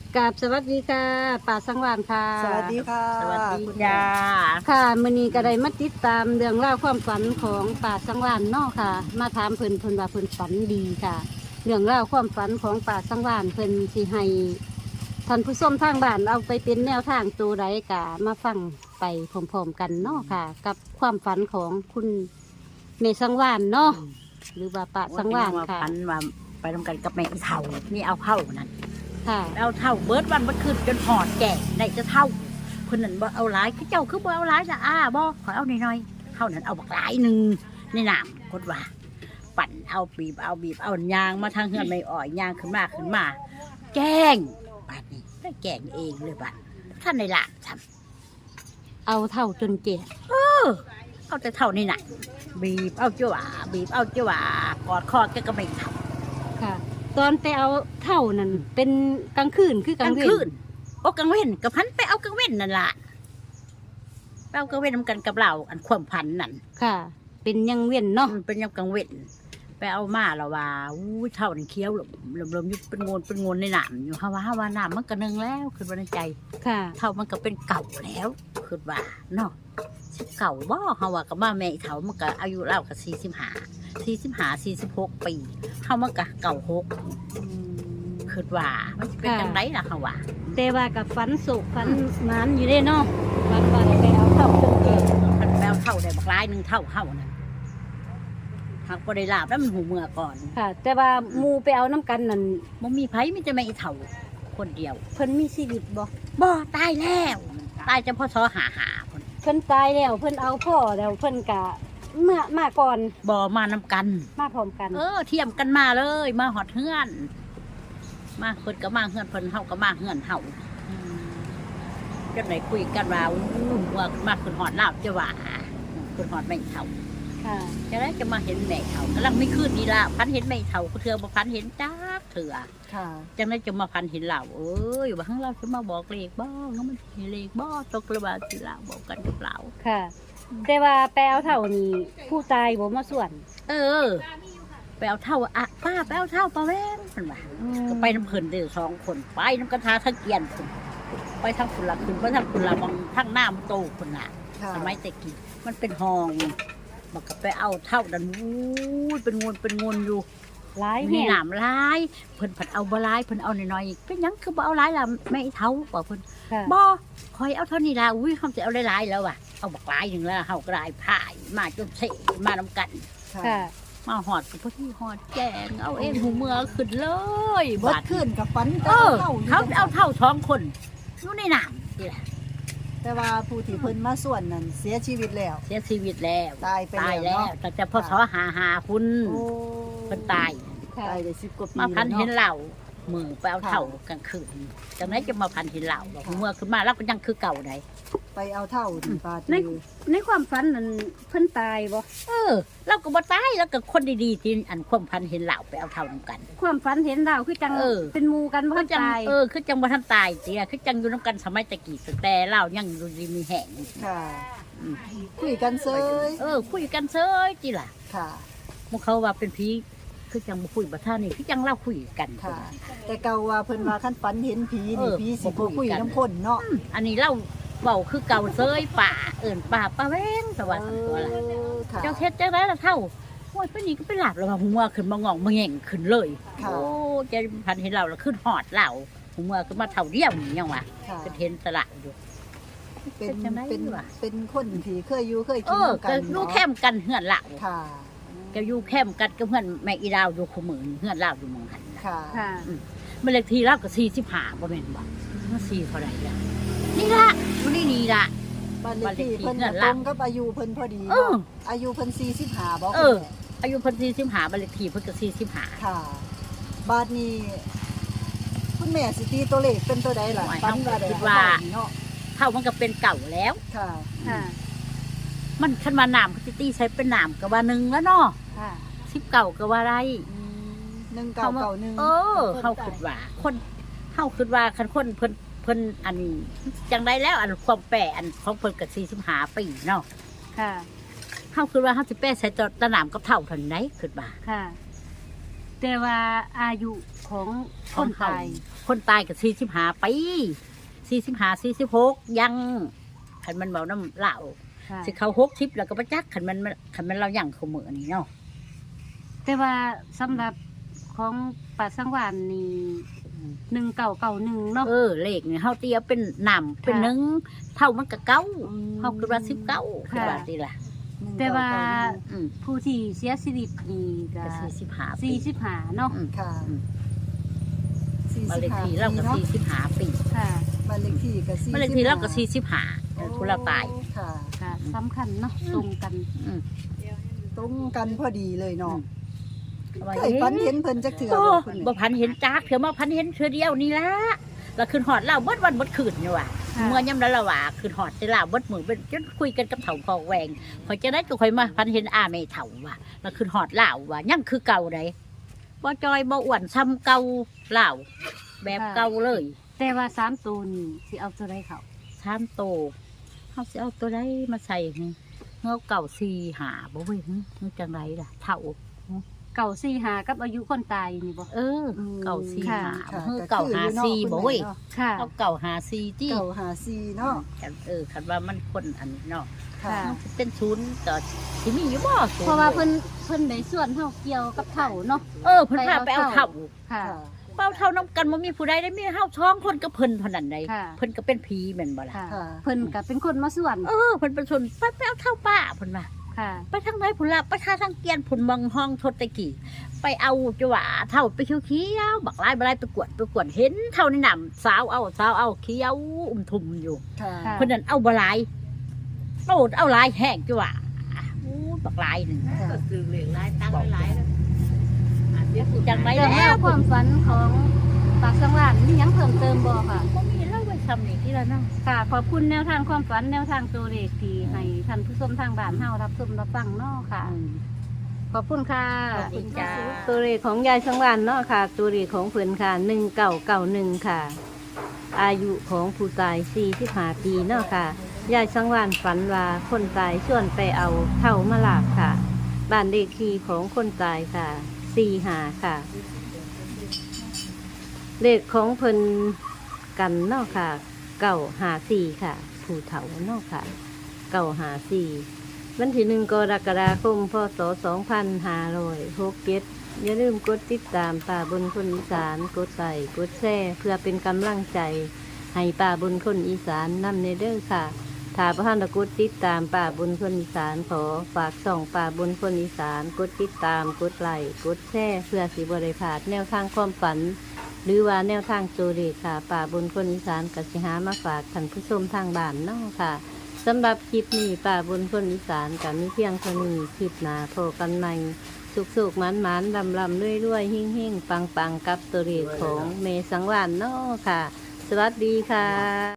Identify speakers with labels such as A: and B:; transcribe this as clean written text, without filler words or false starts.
A: กราบสวัสดีค่ะป่าสังวานค่ะ
B: สวัสดีค่ะ
C: สวัสดี
B: คุณ
C: จ้า
A: ค่ะมื้อนี้ก็ได้มาติดตามเรื่องราวความฝันของป่าสังวานเนาะค่ะ มาถามเพิ่นว่าเพิ่นฝันดีค่ะ เรื่องราวความฝันของป่าสังวานเพิ่นสิให้ท่านผู้ชมทางบ้านเอาไปเป็นแนวทางตัวใดกะมาฟังไปพร้อมๆกันเนาะค่ะ กับความฝันของคุณเมสังวานเนาะหรือว่าป่าสังวานค่ะ
C: พันว่าไปทำกันกับแม่อีเท่านี่เอาเข้านั่น
A: ค่ะ
C: เอาเท่าเบิร์ดวันมันขึ้นจนหอดแก่ได้จะเท่าคนนั้นบ่เอาหลายคือเจ้าคือบ่เอาหลายจ้ะบ่ขอเอาหน่อยๆเท่านั้นเอาบักหลายหนึ่งในน้ำกดว่า ปั่นเอาบีบเอายางมาทางเฮือนไม่อ่อยยางขึ้นมาแกงบัดนี้ได้แกงเองเลยบัดท่านในหลานทำ
A: เอาเท่าจนเจ็บ
C: เอาแต่เท่านี้น่ะบีบเอาจ้ากอดคอแกก็ไม่ทำ
A: ค่ะ ตอนไปเอาเท่านั้นเป็นกลางคืนคือก
C: ก
A: ลา
C: ลาง ง
A: เว้น
C: คืนโอ้กลางเว้นกับพันไปเอากลางเว้นนั่นล่ะไปเอากลางเว้นนำกันกับเราอันความพันนั่น
A: ค่ะ เป็นยังเว้นเนาะ
C: มันเป็นยามกลางเว้นไปเอามาแล้วว่าอู้ยเท่านี่เคี้ยวลมอยู่เป็นงนในหนามอยู่ฮาวาหนามมันก็นึงแล้วคือว่าในใจ
A: ค่ะ
C: เท่ามันก็เป็นเก่าแล้วคือว่าเนาะเก่าบ่เฮาว่ากับมาแม่อีเท่ามันก็อายุเล่าก็46 ปีเฮามันก็เก่า6คือว่ามันสิเป็นจังไดล่ะเฮาว่า
A: แต่ว่ากับฝันสุขฝันหมันอยู่ได้เนาะฝันว่าได้ไปเอาเท่าจนเจ็บ
C: มันแปลเท่าได้บักร้ายหนึ่งเท่านั่นหากบ่ได้ลาบแล้วมันหูเมื่อก่อน
A: ค่ะ แต่ว่าหมูไปเอาน้ำกันนั่น
C: บ่มีไผมีแต่แม่อีเท่าคนเดียว
A: เพิ่นมีชีวิตบ่
C: บ่ตายแล้วตายจะพ่อซอหาคน
A: เพิ่นตายแล้วเพิ่นเอาพ่อแล้วเพิ่นกะมาก่อน
C: บ่มานำกัน
A: มาพร้อมกัน
C: เทียมกันมาเลย มาหอดเฮือนมาเพิ่นก็มาเฮือนเพิ่นเฮาก็มาเฮือนเฮาจนไหนคุยกันว่าว่ามาขึ้นหอดลาวจะว่าขึ้นหอดแม่เท่า
A: ค่ะ
C: จะได้จะมาเห็นแม่เท่ากำลังไม่ขึ้นนี่ละพันเห็นแม่เท่าเถื่อบ่พันเห็นจ้าเถื่อ
B: ค่ะ
C: จังได้จะมาพันเห็นเราว่าข้างเราจะมาบอกเลขบ้างมันเห็นเลขบ้ตกระบาดสิเราบอกกันกับเรา
A: ค่ะ แต่ว่าไปเอาเท่านี่ผู้ตายบ่มาส่วน
C: ไปเอาเท่าป้าไปเอาเท่าป้าแว่นมันว่าก็ไปน้ำเพลินเดือ2 คนไปน้ำกระทาทั้งเกียนคนไปทางคุณละคุณไปทางคุณละมองทางหน้ามันโตคนน่ะ
B: ค่ะ
C: สมัยแต่กี้มันเป็นห้องมันก็ไปเอาเท่าดันวู้ยเป็นงนอยู่
A: หลาย
C: มี
A: แห่ง
C: หนามลายเพิ่นผัดเอาบ่ลายเพิ่นเอาน้อยๆเป็นหยังคือบ่เอาหลายล่ะแม่อีเท่าบอกเพิ่น
A: ค่ะ
C: บ่คอยเอาเท่านี้ล่ะอุ้ยเขาจะเอาหลายๆแล้วว่ะเอาบักหลายหนึ่งแล้วเฮาก็ได้พายมาจนเสมานำกัน
A: ค่ะ
C: มาหอดกับพวกที่หอดแจงเอาเองหูเมือขึ้นเลย
B: เบิดขึ้นกับฝัน
C: เขาเอาเท่า2 คนอยู่ในน้ำนี่แหละ
B: แต่ว่าผู้ที่เพิ่นมาส่วนนั้นเสียชีวิตแล้ว
C: เสียชีวิตแล้ว
B: ตายไป
C: ตาย
B: แล้ว
C: แล้ว
B: เนาะ
C: แต่พ่อสอหาคุณ
B: โอ้
C: เพิ่นตาย
A: ค่ะ
B: ตายได้10 กว่าปี
C: มาพัน
B: แล้ว
C: เห็น
B: เนาะ
C: เหล่ามือไปเอาเท่ากลางคืนจากนั้นจะมาพันเห็นเหล่าบอกเมื่อขึ้นมาแล้วก็ยังคือเก่าไหน
B: ไปเอาเท่าถึงปา
A: ใน
B: ตี
A: ในความฝันนั้นเพิ่นตายบ่
C: เราก็บ่ตายแล้วก็คนดีๆที่อันความพันเห็นเหล่าไปเอาเท่านำกัน
A: ความฝันเห็นดาวคือจัง เป็นหมู่กันบ่
C: คือจัง
A: ตาย
C: คือจังบ่ทันตายเสียคือจังอยู่นำกันสมัยตะกี้แต่เหล่ายังอยู่ดีมีแห้ง
B: ค่ะคุยกันเซย
C: คุยกันเซยจิล่ะ
B: ค่ะ
C: พวกเขาว่าเป็นผีคือจังบ่คุยบ่ท่านี่คือจังเล่าคุยกัน
B: ค่ะ แต่เก่าว่าเพิ่นว่าคันฝันเห็นผี
C: เอ
B: นี่
C: อ
B: ผีสิ
C: บ่
B: บ่
C: คุ
B: คุ
C: ย
B: ย
C: กัน
B: น้ำคนเนาะ
C: อันนี้เล่าเว้าคือเก่าเซยป่าป่าป้าแว้งสวัสดิ์ตัวละ
B: ค่ะ
C: เจ้าเฮ็ดจังได๋ล่ะเท่าโอ้ยเพิ่นนี่ก็ไปหลับแล้วว่าหัวขึ้นมางองมาแง่งขึ้นเลย
B: ค่ะ
C: โอ้ใจพันเห็นเราแล้วขึ้นหอดเราหัวขึ้นมาเท่าเดียวนี่ยังวะ
B: ค่ะ
C: ก็เห็นสละอยู่
B: เป็น
C: เป็นจังได๋
B: เป็น
C: วะ
B: เป็นคนที่เคยอยู่เคย
C: เอ
B: กิน
C: อ
B: นำกั
C: ก็
B: น
C: อยู่
B: เนาะ
C: แคมกันเฮือนเรา
B: ค่ะ
C: ก็อยู่แคมกันกับเพื่อนแม่อีดาวอยู่คู่มือเฮือนเราอยู่เมืองหัน
B: ค่ะ
A: ค่ะ
C: มันเลขที่เราก็45บ่แม่นบ่มัน4เท่าไหร่ล่ะนี่ล่ะอยู่นี่ล่ะ
B: บ้านเลขที่เพิ่น
C: บ้านเลขที่
B: ก็ตรงกับอายุเพิ่นพอดี
C: เออ
B: เนาะอายุเพิ่น45บ่
C: เออ อายุเพิ่น45บ้านเลขที่เพิ่นก็45
B: ค่ะบาดนี้คุณแม่สิตีตัวเลขเป็นตัวใดล่ะ
C: โอ้ย
B: ฝันว่าได้
C: คิดว่า
B: เนาะ
C: เท่ามันก็เป็นเก่าแล้ว
B: ค่ะ
A: ค่ะ
C: มันคันมาน้ำก็สิตีใช้เป็นน้ำก็ว่า1แล้วเนาะ
A: ค่ะ
C: 10เก่าก็ว่าไร
B: 1991
C: เขาคิดว่าคนเขาคิดว่าคันคนเพิ่นอันจังได้แล้วอันความแปรอันของเพิ่นก็45 ปีเนาะ
A: ค่ะ
C: เขาคิดว่าเขาสิแปรใส่ตะน้ำกับเท่าเท่าไหนคิดว่า
A: ค่ะแต่ว่าอายุของคนตาย
C: คนตายก็45 ปี45 46ยังคันมันเบาน้ำเหล้า
A: ค่ะ
C: สิเขา60แล้วก็บ่จักคันมันเรายังเขามื้อนี้เนาะ
A: แต่ว่าสำหรับของป่าสังวานนี่1991เนาะ
C: เลขนี่เฮาเตียเป็นน้ำเป็นหนึ่งเท่ามันก็เก้าเฮาคือว่า19คือว่าสิล่ะ
A: แต่ว่า
C: อืม
A: ผู้ที่เสียชีวิตนี่ก็
C: ก็45 ปี
A: 45เนาะ
B: ค่ะ
C: บ้านเลขที่เราก็45 ปี
A: ค่ะ
B: บ้านเลขที่ก็45
C: บ้านเลขที่เราก็45ผู้เราตาย
B: ค่ะ
A: ค่ะสำคัญเนาะตรงกัน
C: อืม
B: ตรงกันพอดีเลยเนาะ
C: ว่า
B: เคยฝันเห็นเพิ่นจักเทื่อ
C: โอ้
B: บ่คุณแม่
C: บ่พันเห็นจักเถื่อมาพันเห็นเทื่อเดียวนี่ละแล้วคืนหอดเล่าเบิดวันเบิดคืนนี่ว่ะ
A: ค่ะ
C: เมื่อยามนั้นละว่าคืนหอดได้ล่าเบิดมือเป็นจนคุยกันกับเฒ่าพอแหวงพอจะได้ก็ค่อยมาพันเห็นอาแม่เฒ่าว่ะแล้วคืนหอดเล่าว่ะยังคือเก่าไดบ่จอยบ่อ้วนซ้ำเก่าเล่าแบบเก่าเลย
A: แต่ว่า3ตัวนี่สิเอาตัวใดเขา
C: 3โตเฮาสิเอาตัวใดมาใส่นี่เฮาเก่า4 5บ่เว้ยนึกจังไดล่ะเฒ่า
A: เก่า45กับอายุคนตายนี่บ่
C: เก่า4
A: ค่ะ
C: 5เฮาเก่า5 4บ่เว้ย
A: ค่ะ
C: เอาเก่า5 4ที่
B: เก่าหาซีเนาะ
C: คันว่ามันคนอันนี้เนาะ
B: ค่ะ
A: ค่ะ
C: มันเป็นศูนย์ก็สิมีอยู่บ่ศูนย์
A: เพราะว่าเพิ่นได้ส่วนเฮาเกี่ยวกับเฒ่าเนาะ
C: เพิ่นพาไปเอาเท่า
A: ค่ะ
B: ค่ะ
C: เป้าเท่านํกันบ่มีผู้ใดได้มีเฮาท้องคนก็เพิ่นเท่านั้นใด
A: ค่ะ
C: เพิ่นก็เป็นผีแม่นบ่ล่ะ
A: ค่ะ
B: ค่ะ
A: เพิ่นก็เป็นคนมาส่วน
C: เพิ่นเป็นส่วนไปเอาเท่าป้าเพิ่นว่า
A: ค่ะ
C: ไปทางไหนพุ่นล่ะไปทางเกียนพุ่นเมืองห้องทดตะกี้ไปเอาจังหว่าเท่าไปเขียวๆบักหลายบ่หลายไปกวดเห็นเท่าในน้ำสาวเอาเขียวทุ่มอยู่
B: ค่ะ
A: ค่ะ
C: เพิ่นนั่นเอาบ่หลายโตดเอาหลายแห้งจังหว่าบักหลายนึง
B: ค่ะ
C: ซื้อเหลืองหลายตั้งหลายจังได
A: เรื่อง
C: แล้
A: ราว วความฝันของปากสังวานมีหยังเพิ่มเติมบ่ค่ะ
C: บ่มีเล่าไว้ซ้ำนี่ที่ละเนาะ
A: ค่ะ ขอบคุณแนวทางความฝันแนวทางตัวเลขที่ให้ท่านผู้ชมทางบ้านเฮารับชมรับฟังเนาะค่ะ ขอบคุณค่ะ
C: สวัสดีจ้า
A: ตัวเลขของยายสังวานเนาะค่ะ ตัวเลขของเพิ่นค่ะ1991ค่ะ อายุของผู้ตาย45 ปีเนาะค่ะ ยายสังวานฝันว่าคนตายชวนไปเอาเท่ามาลาบค่ะ บ้านเลขที่ของคนตายค่ะ45ค่ะ เลขของเพิ่นกันเนาะค่ะ954ค่ะ ผู้เฒ่าเนาะค่ะ954วันที่1กรกฎาคมพศ2567อย่าลืมกดติดตามป่าบนคนอีสานกดไลค์กดแชร์เพื่อเป็นกำลังใจให้ป่าบนคนอีสานนำในเด้อค่ะถ้าพระท่านกดติดตามป่าบนคนอีสานขอฝากส่องป่าบนคนอีสานกดติดตามกดไลค์กดแชร์เพื่อสิบริพลาดแนวทางความฝัน หรือว่าแนวทางตัวเลขค่ะ ป่าบนคนอีสานกสิหามาฝากท่านผู้ชมทางบ้านเนาะค่ะสำหรับคลิปนี้ป่าบนคนอีสานกับมีเพียงเท่านี้คลิปหนาโผกันใหม่สุกๆหมันๆลำๆเรื่อยๆหิ่งๆปังๆกับตัวเลขของเมสังวานเนาะค่ะ สวัสดีค่ะ